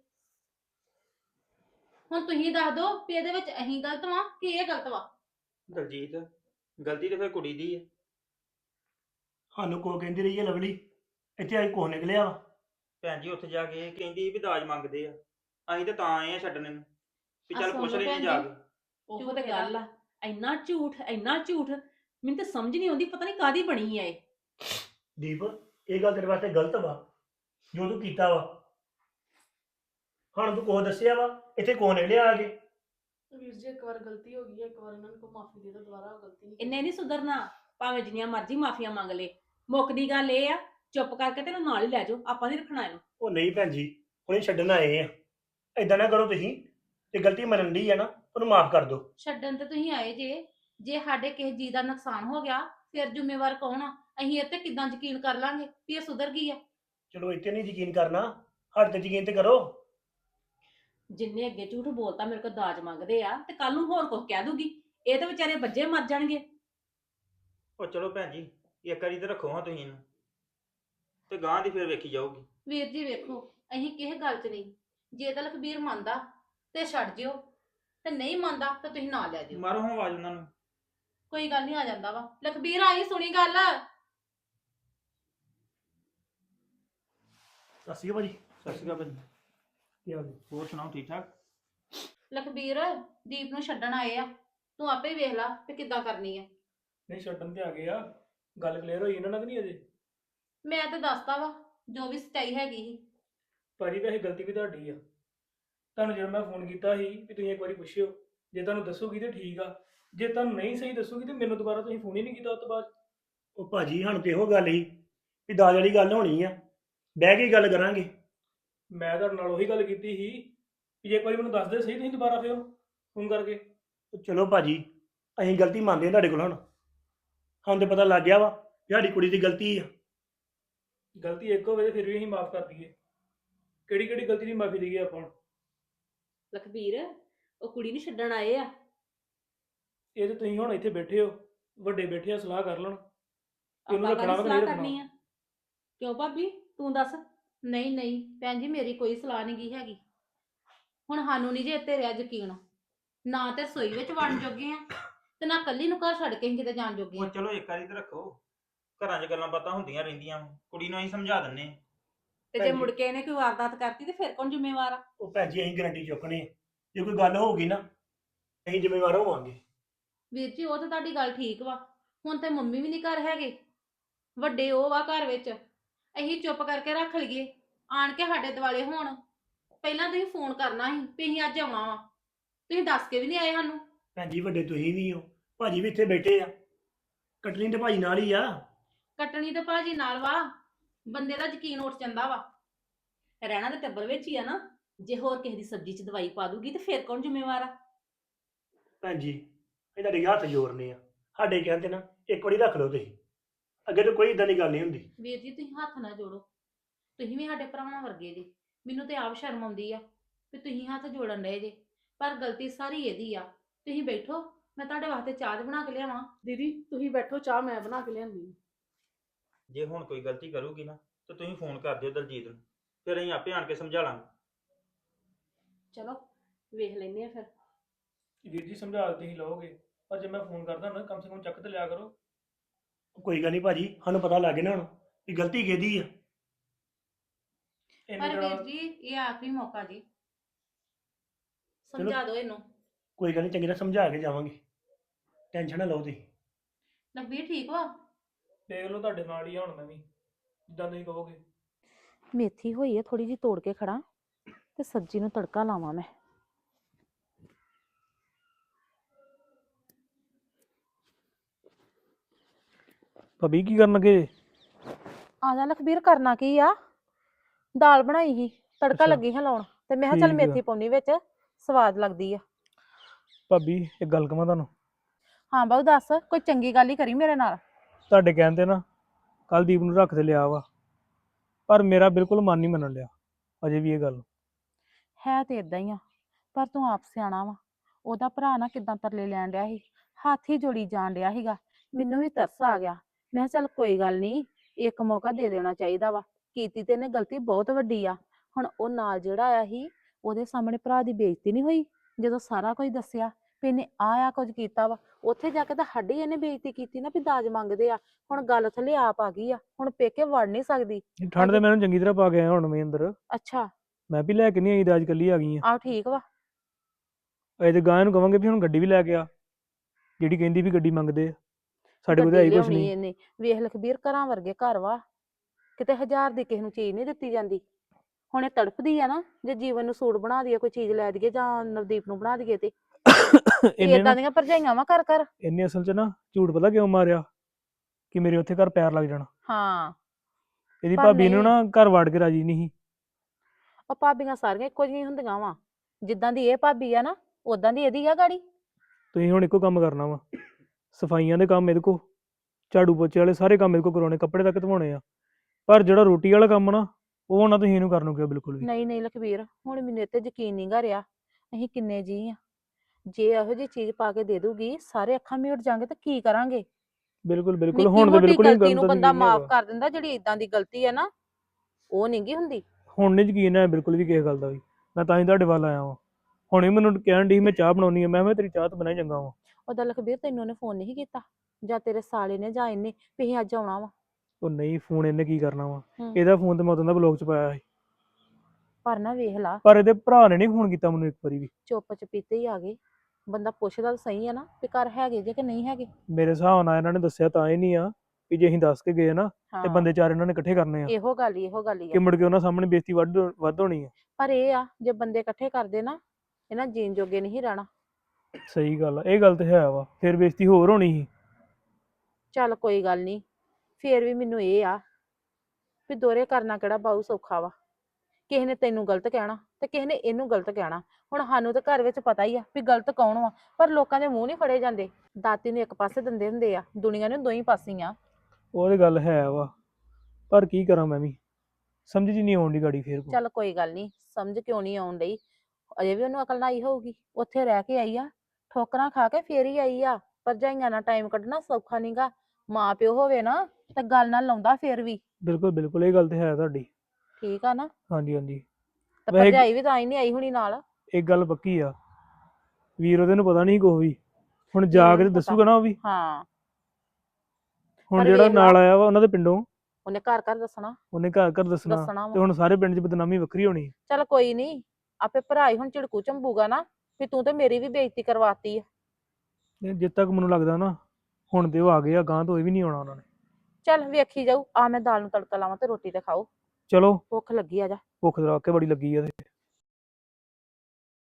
Speaker 3: ਹੁਣ ਤੁਸੀਂ ਦੱਸ ਦਿਓ ਵੀ ਇਹਦੇ ਵਿੱਚ ਅਸੀਂ ਗਲਤ ਵਾਂ ਕਿ ਇਹ ਗਲਤ ਵਾ?
Speaker 8: ਦਲਜੀਤ ਗਲਤੀ ਤੇ ਫਿਰ ਕੁੜੀ ਦੀ ਹੈ।
Speaker 1: ਸਾਨੂੰ ਕੋ ਕਹਿੰਦੀ ਰਹੀ ਹੈ ਲਵਲੀ, ਇੱਥੇ ਅੱਜ ਕੋਹ ਨਿਕਲਿਆ ਵਾ।
Speaker 8: ਭੈਣ ਜੀ ਉੱਥੇ ਜਾ ਕੇ ਕਹਿੰਦੀ ਵੀ ਦਾਜ ਮੰਗਦੇ ਆ, ਅਸੀਂ ਤੇ ਤਾਂ ਆਏ ਆ ਛੱਡਣ ਨੂੰ ਵੀ
Speaker 3: ਆ
Speaker 8: ਚੱਲ
Speaker 3: ਸੁਣ
Speaker 8: ਪੁੱਛ
Speaker 3: ਲਓ
Speaker 8: ਲੈਣੇ
Speaker 3: ਭੈਣ
Speaker 8: ਜਾ
Speaker 3: ਜੀ।
Speaker 8: ਕੇ।
Speaker 7: ਉਹ
Speaker 3: ਝੂਠ
Speaker 7: ਤੇ ਗੱਲ ਆ, ਇੰਨਾ ਝੂਠ ਇੰਨਾ ਝੂਠ, ਮੈਨੂੰ ਤਾਂ ਸਮਝ ਨਹੀਂ ਆਉਂਦੀ ਪਤਾ ਨਹੀਂ ਕਾਦੀ ਬਣੀ ਆ ਇਹ।
Speaker 1: ਦੀਪ ਇਹ ਗੱਲ ਤੇਰੇ ਵਾਸਤੇ ਗਲਤ ਵਾ ਜੋ ਤੂੰ ਕੀਤਾ ਵਾ। ਹੁਣ ਤੂੰ ਕੋਹ ਦੱਸਿਆ ਵਾ, ਇੱਥੇ ਕੋਹ ਨਿਕਲਿਆ ਆ ਕੇ।
Speaker 2: ਵੀਰ ਜੀ ਇੱਕ ਵਾਰ ਗਲਤੀ ਹੋ ਗਈ ਹੈ, ਇੱਕ ਵਾਰ ਇਹਨਾਂ ਨੂੰ ਕੋਈ ਮਾਫੀ ਦੇ ਦਿਓ, ਦੁਬਾਰਾ ਉਹ ਗਲਤੀ ਨਹੀਂ
Speaker 7: ਇੰਨੇ ਨਹੀਂ ਸੁਧਰਨਾ, ਭਾਵੇਂ ਜਿੰਨੀਆਂ ਮਰਜ਼ੀ ਮਾਫੀਆਂ ਮੰਗ ਲੇ। ਮੁੱਕਦੀ ਗੱਲ ਇਹ ਆ, ਚੁੱਪ ਕਰਕੇ ਤੈਨੂੰ ਨਾਲ ਹੀ ਲੈ ਜਾਓ, ਆਪਾਂ ਨਹੀਂ ਰੱਖਣਾ ਇਹਨੂੰ।
Speaker 1: ਉਹ ਨਹੀਂ ਭੈਣ ਜੀ, ਹੁਣੇ ਛੱਡਣ ਆਏ ਆ, ਏਦਾਂ ਨਾ ਕਰੋ ਤੁਸੀਂ। ਤੇ ਗਲਤੀ ਮੰਨਣ ਦੀ ਆ ਨਾ, ਉਹਨੂੰ ਮਾਫ ਕਰ ਦਿਓ।
Speaker 3: ਛੱਡਣ ਤੇ ਤੁਸੀਂ ਆਏ ਜੇ, ਜੇ ਸਾਡੇ ਕਿਸੇ ਜੀ ਦਾ ਨੁਕਸਾਨ ਹੋ ਗਿਆ ਫਿਰ ਜ਼ਿੰਮੇਵਾਰ ਕੌਣ ਆ? ਅਸੀਂ ਇਹ ਤੇ ਕਿੱਦਾਂ ਯਕੀਨ ਕਰ ਲਾਂਗੇ ਵੀ ਇਹ ਸੁਧਰ ਗਈ ਆ?
Speaker 1: ਚਲੋ ਇੱਥੇ ਨਹੀਂ ਯਕੀਨ ਕਰਨਾ, ਸਾਡੇ ਤੇ ਯਕੀਨ ਤੇ ਕਰੋ।
Speaker 7: ਜਿੰਨੇ ਅੱਗੇ ਝੂਠ ਬੋਲਤਾ ਮੇਰੇ ਕੋਲ ਦਾਜ ਮੰਗਦੇ ਆ, ਤੇ ਕੱਲ ਨੂੰ ਹੋਰ ਕੁਝ ਕਹਿ ਦੂਗੀ, ਇਹ ਤਾਂ ਵਿਚਾਰੇ ਬੱਜੇ ਮਰ ਜਾਣਗੇ।
Speaker 8: ਉਹ ਚਲੋ ਭੈਣ ਜੀ ਇੱਕ ਵਾਰੀ ਤੇ ਰੱਖੋ ਹਾਂ ਤੁਸੀਂ ਇਹਨੂੰ, ਤੇ ਗਾਂ ਦੀ ਫਿਰ ਵੇਖੀ ਜਾਊਗੀ।
Speaker 3: ਵੀਰ ਜੀ ਵੇਖੋ ਅਸੀਂ ਕਿਸੇ ਗੱਲ 'ਚ ਨਹੀਂ, ਜੇ ਤਾਂ ਲਖਬੀਰ ਮੰਨਦਾ ਤੇ ਛੱਡ ਜਿਓ, ਤੇ ਨਹੀਂ ਮੰਨਦਾ ਤਾਂ ਤੁਸੀਂ ਨਾ ਲੈ ਜਿਓ।
Speaker 8: ਮਾਰੋ ਹਾਂ ਆਵਾਜ਼ ਉਹਨਾਂ ਨੂੰ।
Speaker 3: ਕੋਈ ਗੱਲ ਨਹੀਂ, ਆ ਜਾਂਦਾ ਵਾ। ਲਖਬੀਰ ਆਈ ਸੁਣੀ ਗੱਲ।
Speaker 1: ਸਤਿ ਸ਼੍ਰੀ ਅਕਾਲ ਭਾਜੀ।
Speaker 8: ਸਤਿ ਸ਼੍ਰੀ ਅਕਾਲ ਭਾਜੀ।
Speaker 1: ਕੀ ਹਾਲ ਹੈ?
Speaker 8: ਹੋਰ ਸੁਣਾਓ ਠੀਕ ਠਾਕ?
Speaker 3: ਲਖਬੀਰ ਦੀਪ ਨੂੰ ਛੱਡਣ ਆਏ ਆ ਤੂੰ ਆਪੇ ਵੇਖ ਲੈ ਵੀ ਕਿੱਦਾਂ ਕਰਨੀ ਆ।
Speaker 5: ਨਹੀਂ ਛੱਡਣ ਤੇ ਆ ਗਏ ਆ, ਗੱਲ ਕਲੀਅਰ ਹੋਈ ਇਹਨਾਂ ਨਾਲ ਕਿ ਨਹੀਂ ਅਜੇ?
Speaker 3: ਮੈਂ ਤੇ ਦੱਸਤਾ ਵਾ ਜੋ ਵੀ ਸੱਚਾਈ ਹੈਗੀ ਸੀ।
Speaker 5: ਭਾਜੀ ਵੈਸੇ ਗਲਤੀ ਵੀ ਤੁਹਾਡੀ ਆ। ਤੁਹਾਨੂੰ ਜਦੋਂ ਮੈਂ ਫੋਨ ਕੀਤਾ ਸੀ ਵੀ ਤੁਸੀਂ ਇੱਕ ਵਾਰੀ ਪੁੱਛਿਓ, ਜੇ ਤੁਹਾਨੂੰ ਦੱਸੂਗੀ ਤੇ ਠੀਕ ਆ, ਜੇ ਤੁਹਾਨੂੰ ਨਹੀਂ ਸਹੀ ਦੱਸੂਗੀ ਤੇ ਮੈਨੂੰ ਦੁਬਾਰਾ ਤੁਸੀਂ ਫੋਨ ਹੀ ਨਹੀਂ ਕੀਤਾ ਉਸ ਤੋਂ ਬਾਅਦ।
Speaker 1: ਉਹ ਭਾਜੀ ਹੁਣ ਤੇ ਇਹੋ ਗੱਲ ਹੀ ਵੀ ਦਾਜ ਵਾਲੀ ਗੱਲ ਹੋਣੀ ਆ, ਬਹਿ ਕੇ ਗੱਲ ਕਰਾਂਗੇ।
Speaker 5: ਮੈਂ ਤੁਹਾਡੇ ਨਾਲ ਉਹੀ ਗੱਲ ਕੀਤੀ ਸੀ ਕਿ ਜੇ ਇੱਕ ਵਾਰੀ ਮੈਨੂੰ ਦੱਸ ਦੇ ਸਹੀ ਤੁਸੀਂ ਦੁਬਾਰਾ ਫਿਰ ਫੋਨ ਕਰਕੇ।
Speaker 1: ਉਹ ਚਲੋ ਭਾਜੀ ਅਸੀਂ ਗਲਤੀ ਮੰਨਦੇ ਹਾਂ ਤੁਹਾਡੇ ਕੋਲ। ਹੁਣ ਹੁਣ ਤੇ ਪਤਾ ਲੱਗ ਗਿਆ ਵਾ ਵੀ ਸਾਡੀ ਕੁੜੀ ਦੀ ਗਲਤੀ ਆ।
Speaker 5: ਗਲਤੀ ਇੱਕ ਹੋਵੇ ਤੇ ਫਿਰ ਵੀ ਅਸੀਂ ਮਾਫ ਕਰ ਦਈਏ। ਕਿਹੜੀ ਕਿਹੜੀ ਗਲਤੀ ਦੀ ਮਾਫੀ ਦੇਈਏ ਆਪਾਂ ਹੁਣ?
Speaker 7: ਲਖਬੀਰ ਉਹ ਕੁੜੀ ਨੂੰ ਛੱਡਣ ਆਏ ਆ।
Speaker 5: ਇਹ ਤੇ ਤੁਸੀਂ ਹੁਣ ਇੱਥੇ ਬੈਠੇ ਹੋ, ਵੱਡੇ ਬੈਠੇ ਆ, ਸਲਾਹ ਕਰ ਲੈਣ ਇਹਨੂੰ
Speaker 7: ਆਪਾਂ
Speaker 5: ਰੱਖਣਾ
Speaker 7: ਕਾਹਦੀ
Speaker 5: ਵਾ ਕਿ
Speaker 7: ਸਲਾਹ
Speaker 5: ਨਹੀਂ
Speaker 7: ਕਰਨੀ
Speaker 5: ਰੱਖਣਾ।
Speaker 7: ਆ? ਕਿਉਂ ਭਾਬੀ ਤੂੰ ਦੱਸ।
Speaker 3: ਨਹੀਂ ਨਹੀਂ ਭੈਣ ਜੀ ਮੇਰੀ ਕੋਈ ਸਲਾਹ ਨਹੀਂ ਗਈ ਹੈਗੀ। ਹੁਣ ਸਾਨੂੰ ਨਹੀਂ ਜੇ ਇੱਥੇ ਰਿਹਾ ਯਕੀਨ, ਨਾ ਤੇ ਸੋਈ ਵਿੱਚ ਵੜਨ ਜੋਗੇ ਆ ਤੇ ਨਾ ਕੱਲੀ ਨੂੰ ਘਰ ਛੱਡ ਕੇ ਅਸੀਂ ਕਿਤੇ ਜਾਣ ਜੋਗੇ
Speaker 8: ਉਹ
Speaker 3: ਆ।
Speaker 8: ਚਲੋ ਇੱਕ ਵਾਰੀ ਤੇ ਰੱਖੋ, ਘਰਾਂ 'ਚ ਗੱਲਾਂ ਬਾਤਾਂ ਹੁੰਦੀਆਂ ਰਹਿੰਦੀਆਂ ਵਾਂ। ਕੁੜੀ ਨੂੰ ਅਸੀਂ ਸਮਝਾ ਦਿੰਨੇ ਆਂ।
Speaker 7: ਤੇ ਜੇ ਮੁੜ ਕੇ ਇਹਨੇ ਕੋਈ ਵਾਰਦਾਤ ਕਰਤੀ ਤੇ ਫਿਰ ਕੌਣ ਜ਼ਿੰਮੇਵਾਰ ਆ?
Speaker 1: ਉਹ ਭੈਣ ਜੀ ਅਸੀਂ ਗਰੰਟੀ ਚੁੱਕਣੀ ਆ, ਜੇ ਕੋਈ ਗੱਲ ਹੋਊਗੀ ਨਾ ਅਸੀਂ ਜ਼ਿੰਮੇਵਾਰ ਹੋਵਾਂਗੇ।
Speaker 3: ਵੀਰ ਜੀ ਉਹ ਤਾਂ ਤੁਹਾਡੀ ਗੱਲ ਠੀਕ ਵਾ, ਹੁਣ ਤੇ ਮੰਮੀ ਵੀ ਨਹੀਂ ਘਰ ਹੈਗੇ, ਵੱਡੇ ਉਹ ਵਾ ਘਰ ਵਿੱਚ। ਅਸੀਂ ਚੁੱਪ ਕਰਕੇ ਰੱਖ ਲਈਏ, ਆਣ ਕੇ ਸਾਡੇ ਦਿਵਾਲੇ ਹੋਣ। ਪਹਿਲਾਂ ਤੁਸੀਂ ਫੋਨ ਕਰਨਾ ਸੀ ਵੀ ਅਸੀਂ ਅੱਜ ਆਉਣਾ ਵਾ, ਤੁਸੀਂ ਦੱਸ ਕੇ ਵੀ ਨਹੀਂ ਆਏ ਸਾਨੂੰ।
Speaker 1: ਭੈਣ ਜੀ ਵੱਡੇ ਤੁਸੀਂ ਵੀ ਹੋ, ਭਾਜੀ ਵੀ ਇੱਥੇ ਬੈਠੇ ਆ, ਕੱਟਣੀ ਤੇ ਭਾਜੀ ਨਾਲ ਹੀ ਆ।
Speaker 3: ਕੱਟਣੀ ਤੇ ਭਾਜੀ ਨਾਲ ਵਾ, ਬੰਦੇ ਦਾ ਯਕੀਨ ਉੱਠ ਜਾਂਦਾ ਵਾ।
Speaker 7: ਰਹਿਣਾ ਤੇ ਟੱਬਰ ਵਿੱਚ ਹੀ ਆ ਨਾ। ਜੇ ਹੋਰ ਕਿਸੇ ਦੀ ਸਬਜ਼ੀ 'ਚ ਦਵਾਈ ਪਾ ਦੂਗੀ ਤੇ ਫਿਰ ਕੌਣ ਜ਼ਿੰਮੇਵਾਰ ਆ?
Speaker 1: ਭੈਣ ਜੀ ਇਹ ਤੁਹਾਡੇ ਹੱਥ ਜੋੜਨੇ ਆ, ਸਾਡੇ ਕਹਿੰਦੇ ਨਾ ਇੱਕ ਵਾਰੀ ਰੱਖ ਲਓ ਤੁਸੀਂ, ਅੱਗੇ ਤੋਂ ਕੋਈ ਇਦਾਂ ਦੀ ਗੱਲ ਨਹੀਂ ਹੁੰਦੀ।
Speaker 3: ਵੀਰ ਜੀ ਤੁਸੀਂ ਹੱਥ ਨਾ ਜੋੜੋ, ਤੁਸੀਂ ਵੀ ਸਾਡੇ ਭਰਾਵਾਂ ਵਰਗੇ ਜੇ। ਮੈਨੂੰ ਤੇ ਆਪ ਸ਼ਰਮ ਆਉਂਦੀ ਆ ਵੀ ਤੁਸੀਂ ਹੱਥ ਜੋੜਨ ਡਏ ਜੇ, ਪਰ ਗਲਤੀ ਸਾਰੀ ਇਹਦੀ ਆ। ਤੁਸੀਂ ਬੈਠੋ, ਮੈਂ ਤੁਹਾਡੇ ਵਾਸਤੇ ਚਾਹ ਬਣਾ ਕੇ ਲਿਆਵਾਂ।
Speaker 2: ਦੀਦੀ ਤੁਸੀਂ ਬੈਠੋ, ਚਾਹ ਮੈਂ ਬਣਾ ਕੇ ਲਿਆਂਦੀ।
Speaker 8: ਜੇ ਹੁਣ ਕੋਈ ਗਲਤੀ ਕਰੂਗੀ ਨਾ ਤਾਂ ਤੁਸੀਂ ਫੋਨ ਕਰ ਦਿਓ ਦਲਜੀਤ ਨੂੰ, ਫਿਰ ਅਸੀਂ ਆਪੇ ਆਣ ਕੇ ਸਮਝਾ ਲਾਂਗੇ।
Speaker 7: ਚਲੋ ਵੇਖ ਲੈਨੇ ਆ ਫਿਰ।
Speaker 5: ਵੀਰ ਜੀ ਸਮਝਾ ਕੇ ਤੁਸੀਂ ਲਓਗੇ, ਪਰ ਜੇ ਮੈਂ ਫੋਨ ਕਰਦਾ ਨਾ ਕਮ ਸੇ ਕਮ ਚੱਕ ਤੇ ਲਿਆ ਕਰੋ।
Speaker 1: ਕੋਈ ਗੱਲ ਨਹੀਂ ਭਾਜੀ, ਸਾਨੂੰ ਪਤਾ ਲੱਗ ਗਿਆ ਨਾ ਹੁਣ ਵੀ ਗਲਤੀ ਕਿਹਦੀ ਆ।
Speaker 5: ਇੰਨੇ
Speaker 3: ਪਰ ਵੀਰ
Speaker 5: ਦਿਨਾਂ-
Speaker 3: ਜੀ ਇਹ ਆਖਰੀ ਮੌਕਾ ਜੀ, ਸਮਝਾ ਦਿਓ ਇਹਨੂੰ।
Speaker 1: ਕੋਈ ਗੱਲ ਨਹੀਂ, ਚੰਗੀ ਤਰ੍ਹਾਂ ਸਮਝਾ ਕੇ ਜਾਵਾਂਗੇ, ਟੈਨਸ਼ਨ ਨਾ ਲਓ ਤੁਸੀਂ।
Speaker 3: ਲਖਬੀਰ ਠੀਕ ਵਾ?
Speaker 5: ਦੇਖ ਲਓ ਤੁਹਾਡੇ ਨਾਲ ਹੀ ਆ ਹੁਣ ਮੈਂ ਵੀ, ਜਿੱਦਾਂ ਤੁਸੀਂ ਕਹੋਗੇ।
Speaker 4: ਮੇਥੀ ਹੋਈ ਹੈ ਥੋੜੀ ਜਿਹੀ, ਤੋੜ ਕੇ ਖੜਾ ਤੇ ਸਬਜ਼ੀ ਨੂੰ ਤੜਕਾ ਲਾਵਾਂ ਮੈਂ।
Speaker 5: ਭਾਬੀ ਕੀ ਕਰਨ ਲੱਗੇ?
Speaker 4: ਆ ਜਾ ਲਖਬੀਰ, ਕਰਨਾ ਕੀ ਆ? ਦਾਲ ਬਣਾਈ ਸੀ, ਤੜਕਾ
Speaker 5: ਅੱਛਾ।
Speaker 4: ਲੱਗੀ ਹਾਂ ਲਾਉਣ, ਤੇ ਮੈਂ ਕਿਹਾ ਚੱਲ
Speaker 5: ਠੀਕ ਆ।
Speaker 4: ਮੇਥੀ ਪਾਉਣੀ ਵਿੱਚ, ਸਵਾਦ ਲੱਗਦੀ ਆ।
Speaker 5: ਭਾਬੀ ਇੱਕ ਗੱਲ ਕਹਾਂ ਤੁਹਾਨੂੰ,
Speaker 4: ਹਾਂ ਬਾਊ ਦੱਸ, ਕੋਈ ਚੰਗੀ ਗੱਲ ਹੀ ਕਰੀ ਮੇਰੇ ਨਾਲ।
Speaker 5: ਤੁਹਾਡੇ ਕਹਿਣ ਤੇ ਨਾ ਕੱਲ ਦੀਪ ਨੂੰ ਰੱਖ ਤੇ ਲਿਆ ਵਾ, ਪਰ ਮੇਰਾ ਬਿਲਕੁਲ ਮਨ ਨਹੀਂ ਮੰਨਣ ਲਿਆ ਅਜੇ ਵੀ ਇਹ ਗੱਲ।
Speaker 4: ਹੈ ਤੇ ਇਦਾਂ ਹੀ ਆ, ਪਰ ਤੂੰ ਆਪ ਸਿਆਣਾ ਵਾ। ਉਹਦਾ ਭਰਾ ਨਾ ਕਿਦਾਂ ਤਰਲੇ ਲੈਣ ਡਿਆ ਸੀ, ਹੱਥ ਹੀ ਜੋੜੀ ਜਾਣ ਡਿਆ ਸੀਗਾ। ਮੈਨੂੰ ਵੀ ਤਰਸ ਆ ਗਿਆ, ਮੈਂ ਕਿਹਾ ਚੱਲ ਕੋਈ ਗੱਲ ਨਹੀਂ, ਇੱਕ ਮੌਕਾ ਦੇ ਦੇਣਾ ਚਾਹੀਦਾ ਵਾ। ਕੀਤੀ ਤੇ ਇਹਨੇ ਗਲਤੀ ਬਹੁਤ ਵੱਡੀ ਆ। ਹੁਣ ਉਹ ਨਾਲ ਜਿਹੜਾ ਆਇਆ ਸੀ, ਉਹਦੇ ਸਾਹਮਣੇ ਭਰਾ ਦੀ ਬੇਇੱਜ਼ਤੀ ਨਹੀਂ ਹੋਈ ਜਦੋਂ ਸਾਰਾ ਕੁਝ ਦੱਸਿਆ ਵੀ ਇਹਨੇ ਆਹ ਆ ਕੁਝ ਕੀਤਾ ਵਾ। ਉੱਥੇ ਜਾ ਕੇ ਤਾਂ ਸਾਡੀ ਇਹਨੇ ਬੇਇੱਜ਼ਤੀ ਕੀਤੀ ਨਾ ਵੀ ਦਾਜ ਮੰਗਦੇ ਆ। ਹੁਣ ਗੱਲ ਥੱਲੇ ਆਪ ਆ ਗਈ ਆ, ਹੁਣ ਪੇਕੇ ਵੜ ਨਹੀਂ ਸਕਦੀ।
Speaker 5: ਠੰਡ ਤੇ ਮੈਨੂੰ ਚੰਗੀ ਤਰ੍ਹਾਂ ਪਾ ਕੇ ਆਇਆ ਹੁਣ ਮੈਂ ਅੰਦਰ,
Speaker 4: ਅੱਛਾ
Speaker 5: ਮੈਂ ਵੀ ਲੈ ਕੇ ਨਹੀਂ ਆਈ ਦਾਜ ਕੱਲੀ ਆ ਗਈ ਆ।
Speaker 4: ਆਹ ਠੀਕ ਵਾ।
Speaker 5: ਅਜੇ ਤੇ ਗਾਂ ਨੂੰ ਕਵਾਂਗੇ ਵੀ ਹੁਣ ਗੱਡੀ ਵੀ ਲੈ ਕੇ ਆ, ਜਿਹੜੀ ਕਹਿੰਦੀ ਵੀ ਗੱਡੀ ਮੰਗਦੇ ਆ। ਸਾਡੇ ਕੋਲ ਤਾਂ
Speaker 4: ਗੱਡੀ
Speaker 5: ਆਈ ਕੁਛ
Speaker 4: ਲਿਆਉਣੀ
Speaker 5: ਨਹੀਂ।
Speaker 4: ਇਹਨੇ, ਵੇਖ ਲਖਬੀਰ ਘਰਾਂ ਵਰਗੇ ਘਰ ਵਾ, ਕਿਤੇ ਹਜ਼ਾਰ ਦੀ ਕਿਸੇ ਨੂੰ ਚੀਜ਼ ਨਹੀਂ ਦਿੱਤੀ ਜਾਂਦੀ। ਹੁਣ ਇਹ ਤੜਫਦੀ ਆ ਨਾ, ਜੇ ਜੀਵਨ ਨੂੰ ਸੂਟ ਬਣਾ ਦਈਏ, ਕੋਈ ਚੀਜ਼ ਲੈ ਦਈਏ, ਜਾਂ ਨਵਦੀਪ ਨੂੰ ਬਣਾ ਦਈਏ, ਤੇ
Speaker 5: ਇਹਨੇ
Speaker 4: ਇਦਾਂ
Speaker 5: ਨਾ
Speaker 4: ਦੀਆਂ ਭਰਜਾਈਆਂ ਵਾ ਘਰ ਘਰ।
Speaker 5: ਇਹਨੇ ਅਸਲ 'ਚ ਨਾ ਝੂਠ ਪਤਾ ਕਿਉਂ ਮਾਰਿਆ ਕਿ ਮੇਰੇ ਉੱਥੇ ਘਰ ਪੈਰ ਲੱਗ ਜਾਣਾ।
Speaker 4: ਹਾਂ
Speaker 5: ਇਹਦੀ
Speaker 4: ਪਰ
Speaker 5: ਭਾਬੀ ਨੂੰ
Speaker 4: ਨਹੀਂ।
Speaker 5: ਨਾ ਘਰ ਵੜ ਕੇ ਰਾਜੀ ਨਹੀਂ ਸੀ।
Speaker 4: ਉਹ ਭਾਬੀਆਂ ਸਾਰੀਆਂ ਇੱਕੋ ਜਿਹੀਆਂ ਹੁੰਦੀਆਂ ਵਾ, ਜਿੱਦਾਂ ਦੀ ਇਹ ਭਾਬੀ ਆ ਨਾ ਉਦਾਂ ਦੀ ਇਹਦੀ ਆ ਗਾੜੀ।
Speaker 5: ਤੁਸੀਂ ਹੁਣ ਇੱਕੋ ਕੰਮ ਕਰਨਾ ਵਾ, ਸਫਾਈਆਂ ਦੇ ਕੰਮ ਇਹਦੇ ਕੋ, ਝਾੜੂ ਪੋਚੇ ਵਾਲੇ ਸਾਰੇ ਕੰਮ ਇਹਦੇ ਕੋ ਕਰਾਉਣੇ, ਕੱਪੜੇ ਤੱਕ ਧਵਾਉਣੇ ਆ। ਪਰ ਜਿਹੜਾ ਰੋਟੀ ਵਾਲਾ ਕੰਮ ਨਾ, ਉਹ ਨਾ ਤੁਸੀਂ ਇਹਨੂੰ ਕਰਨ ਨੂੰ ਕਿਹਾ ਬਿਲਕੁਲ ਵੀ।
Speaker 4: ਨਹੀਂ ਨਹੀਂ ਲਖਬੀਰ, ਹੁਣ ਮੈਨੂੰ ਇਹ ਤੇ ਯਕੀਨ ਨਹੀਂ ਗਾ ਰਿਹਾ। ਅਸੀਂ ਕਿੰਨੇ ਜੀ ਆ, ਜੇ ਇਹੋ ਜਿਹੀ ਚੀਜ਼ ਪਾ ਕੇ ਦੇ ਦੂਗੀ, ਸਾਰੇ ਅੱਖਾਂ ਮੀਟ ਜਾਣਗੇ ਤਾਂ ਕੀ ਕਰਾਂਗੇ?
Speaker 5: ਬਿਲਕੁਲ ਬਿਲਕੁਲ,
Speaker 4: ਨਿੱਕੀ
Speaker 5: ਹੁਣ ਤਾਂ
Speaker 4: ਮੋਟੀ
Speaker 5: ਬਿਲਕੁਲ ਹੀ
Speaker 4: ਗਲਤੀ ਨੂੰ
Speaker 5: ਗਲਤ
Speaker 4: ਬੰਦਾ
Speaker 5: ਯਕੀਨ ਨਹੀਂ
Speaker 4: ਮਾਫ
Speaker 5: ਹੈਗਾ।
Speaker 4: ਕਰ ਦਿੰਦਾ, ਜਿਹੜੀ ਇਦਾਂ ਦੀ ਗਲਤੀ ਹੈ ਨਾ ਉਹ ਨਹੀਂ ਗੀ ਹੁੰਦੀ।
Speaker 5: ਹੁਣ ਨਹੀਂ ਯਕੀਨ ਹੈ ਬਿਲਕੁਲ ਵੀ ਕਿਸੇ ਗੱਲ ਦਾ ਵੀ। ਮੈਂ ਤਾਂ ਹੀ ਤੁਹਾਡੇ ਵੱਲ ਆਇਆ ਵਾਂ। ਹੁਣ ਹੀ ਮੈਨੂੰ ਕਹਿਣ ਡਈ ਸੀ ਮੈਂ ਚਾਹ ਬਣਾਉਣੀ ਆ, ਮੈਂ ਕਿਹਾ ਤੇਰੀ ਚਾਹ ਤੋਂ ਬਿਨਾਂ ਹੀ ਚੰਗਾ ਵਾ।
Speaker 4: ਉਹਦਾ ਲਖਬੀਰ ਤੈਨੂੰ ਉਹਨੇ ਫੋਨ ਨਹੀਂ ਕੀਤਾ, ਜਾਂ ਤੇਰੇ ਸਾਲੇ ਨੇ, ਜਾਂ ਇਹਨੇ ਵੀ ਅਸੀਂ ਅੱਜ ਆਉਣਾ ਵਾ?
Speaker 5: ਉਹ ਨਹੀਂ, ਫੋਨ ਇਹਨੇ ਕੀ ਕਰਨਾ ਵਾ,
Speaker 4: ਹੂੰ।
Speaker 5: ਇਹਦਾ ਫੋਨ ਤੇ ਮੈਂ ਉਦੋਂ ਦਾ ਬਲੌਗ 'ਚ ਪਾਇਆ ਸੀ।
Speaker 4: ਪਰ ਨਾ ਵੇਖ ਲਾ,
Speaker 5: ਪਰ ਇਹਦੇ ਭਰਾ ਨੇ ਨਹੀਂ ਫੋਨ ਕੀਤਾ ਮੈਨੂੰ ਇੱਕ ਵਾਰੀ ਵੀ।
Speaker 4: ਚੁੱਪ ਚਪੀਤੇ ਹੀ ਆ ਗਏ, ਬੰਦਾ ਪੁੱਛਦਾ ਤਾਂ ਸਹੀ ਆ ਨਾ ਵੀ ਘਰ ਹੈਗੇ ਜੇ ਕਿ ਨਹੀਂ ਹੈਗੇ।
Speaker 5: ਮੇਰੇ ਹਿਸਾਬ ਨਾਲ ਇਹਨਾਂ ਨੇ ਦੱਸਿਆ ਤਾਂ ਹੀ ਨਹੀਂ ਆ ਵੀ ਜੇ ਅਸੀਂ ਦੱਸ ਕੇ ਗਏ ਨਾ ਤੇ
Speaker 4: ਹਾਂ
Speaker 5: ਬੰਦੇ ਚਾਰ ਇਹਨਾਂ ਨੇ ਇਕੱਠੇ ਕਰਨੇ ਆ
Speaker 4: ਇਹੋ ਗੱਲ ਹੀ ਇਹੋ ਗੱਲ ਹੀ
Speaker 5: ਕਿ
Speaker 4: ਆ।
Speaker 5: ਮੁੜ ਕੇ ਉਹਨਾਂ ਸਾਹਮਣੇ ਬੇਇੱਜ਼ਤੀ ਵੱਧ ਵੱਧ ਹੋਣੀ ਆ।
Speaker 4: ਪਰ ਇਹ ਆ ਜੇ ਬੰਦੇ ਇਕੱਠੇ ਕਰਦੇ ਨਾ ਇਹਨਾਂ ਜੀਣ ਜੋਗੇ ਨਹੀਂ ਰਹਿਣਾ।
Speaker 5: ਸਹੀ ਗੱਲ ਆ, ਇਹ ਗੱਲ ਤੇ ਹੈ ਵਾ, ਫਿਰ ਬੇਇੱਜ਼ਤੀ ਹੋਰ ਹੋਣੀ ਸੀ।
Speaker 4: ਚੱਲ ਕੋਈ ਗੱਲ ਨਹੀਂ, ਫੇਰ ਵੀ ਮੈਨੂੰ ਇਹ ਆ ਵੀ ਦੋਰੇ ਕਰਨਾ ਕਿਹੜਾ ਬਾਊ ਸੌਖਾ ਵਾ। ਕਿਸੇ ਨੇ ਤੈਨੂੰ ਗਲਤ ਕਹਿਣਾ ਤੇ ਕਿਸੇ ਨੇ ਇਹਨੂੰ ਗਲਤ ਕਹਿਣਾ। ਹੁਣ ਸਾਨੂੰ ਤਾਂ ਘਰ ਵਿੱਚ ਪਤਾ ਹੀ ਆ ਵੀ ਗਲਤ ਕੌਣ ਵਾ, ਪਰ ਲੋਕਾਂ ਦੇ ਮੂੰਹ ਨਹੀਂ ਫੜੇ ਜਾਂਦੇ। ਦਾਤੀ ਨੂੰ ਇੱਕ ਪਾਸੇ ਦਿੰਦੇ ਹੁੰਦੇ ਆ, ਦੁਨੀਆ ਨੂੰ ਦੋਈ ਪਾਸੀਆਂ।
Speaker 5: ਉਹ ਤੇ ਗੱਲ ਹੈ ਵਾ, ਪਰ ਕੀ ਕਰਾਂ ਮੈਂ ਵੀ, ਸਮਝ ਜੀ ਨਹੀਂ ਆਉਣ ਦੀ ਗਾੜੀ ਫੇਰ।
Speaker 4: ਚੱਲ ਕੋਈ ਗੱਲ ਨਹੀਂ, ਸਮਝ ਕਿਉਂ ਨਹੀਂ ਆਉਣ ਡਈ, ਅਜੇ ਵੀ ਉਹਨੂੰ ਅਕਲ ਨਾ ਆਈ ਹੋਊਗੀ। ਉੱਥੇ ਰਹਿ ਕੇ ਆਈ ਆ, ਠੋਕਰਾਂ ਖਾ ਕੇ ਫੇਰ ਹੀ ਆਈ ਆ। ਭਰਜਾਈਆਂ ਨਾਲ ਟਾਈਮ ਕੱਢਣਾ ਸੌਖਾ ਨਹੀਂਗਾ। ਮਾਂ ਪਿਓ ਹੋਵੇ ਨਾ ਤਾਂ ਗੱਲ ਨਾਲ ਲਾਉਂਦਾ ਫੇਰ ਵੀ।
Speaker 5: ਬਿਲਕੁਲ ਬਿਲਕੁਲ, ਇਹ ਗੱਲ ਤੇ ਹੈ ਤੁਹਾਡੀ।
Speaker 4: ਠੀਕ ਆ ਨਾ?
Speaker 5: ਹਾਂਜੀ ਹਾਂਜੀ।
Speaker 4: ਤੇ
Speaker 5: ਵੈਸੇ-
Speaker 4: ਭਰਜਾਈ ਵੀ ਤਾਂ ਹੀ ਨਹੀਂ ਆਈ ਹੁਣੀ ਨਾਲ।
Speaker 5: ਇੱਕ ਗੱਲ ਪੱਕੀ ਆ, ਵੀਰ ਉਹਦੇ ਨੂੰ ਪਤਾ ਨਹੀਂ ਕੁਛ ਵੀ, ਹੁਣ ਜਾ
Speaker 4: ਵੀਰ
Speaker 5: ਕੇ ਤੇ
Speaker 4: ਨੂੰ ਪਤਾ।
Speaker 5: ਦੱਸੂਗਾ ਨਾ ਉਹ ਵੀ।
Speaker 4: ਹਾਂ,
Speaker 5: ਹੁਣ
Speaker 4: ਪਰ
Speaker 5: ਜਿਹੜਾ
Speaker 4: ਵੇਖ ਲਾ।
Speaker 5: ਨਾਲ ਆਇਆ ਵਾ ਉਹਨਾਂ ਦੇ ਪਿੰਡੋਂ,
Speaker 4: ਉਹਨੇ ਘਰ ਘਰ ਦੱਸਣਾ
Speaker 5: ਉਹਨੇ ਘਰ ਘਰ ਦੱਸਣਾ
Speaker 4: ਦੱਸਣਾ
Speaker 5: ਤੇ
Speaker 4: ਵਾ।
Speaker 5: ਹੁਣ ਸਾਰੇ ਪਿੰਡ 'ਚ ਬਦਨਾਮੀ ਵੱਖਰੀ ਹੋਣੀ।
Speaker 4: ਚੱਲ ਕੋਈ ਨਹੀਂ, ਆਪੇ ਭਰਾ ਹੀ ਹੁਣ ਝਿੜਕੂ ਝੰਬੂਗਾ ਨਾ ਵੀ ਤੂੰ ਤੇ ਮੇਰੀ ਵੀ ਬੇਇੱਜ਼ਤੀ ਕਰਵਾਤੀ ਆ।
Speaker 5: ਇਹ ਜਿੱਦ ਤੱਕ ਮੈਨੂੰ ਲੱਗਦਾ ਨਾ ਹੁਣ ਤੇ ਉਹ ਆ ਗਏ ਆ, ਗਾਂ ਤੋਂ ਇਹ ਵੀ ਨਹੀਂ ਆਉਣਾ ਉਹਨਾਂ ਨੇ।
Speaker 4: ਚੱਲ ਵੇਖੀ ਜਾਊ। ਆ ਮੈਂ ਦਾਲ ਨੂੰ ਤੜਕਾ ਲਾਵਾਂ ਤੇ ਰੋਟੀ ਤੇ ਖਾਓ।
Speaker 5: ਚਲੋ,
Speaker 4: ਭੁੱਖ ਲੱਗੀ ਆ ਜਾ।
Speaker 5: ਭੁੱਖ ਤਾਂ ਵਾਕਿਆ ਬੜੀ ਲੱਗੀ ਆ ਤੇ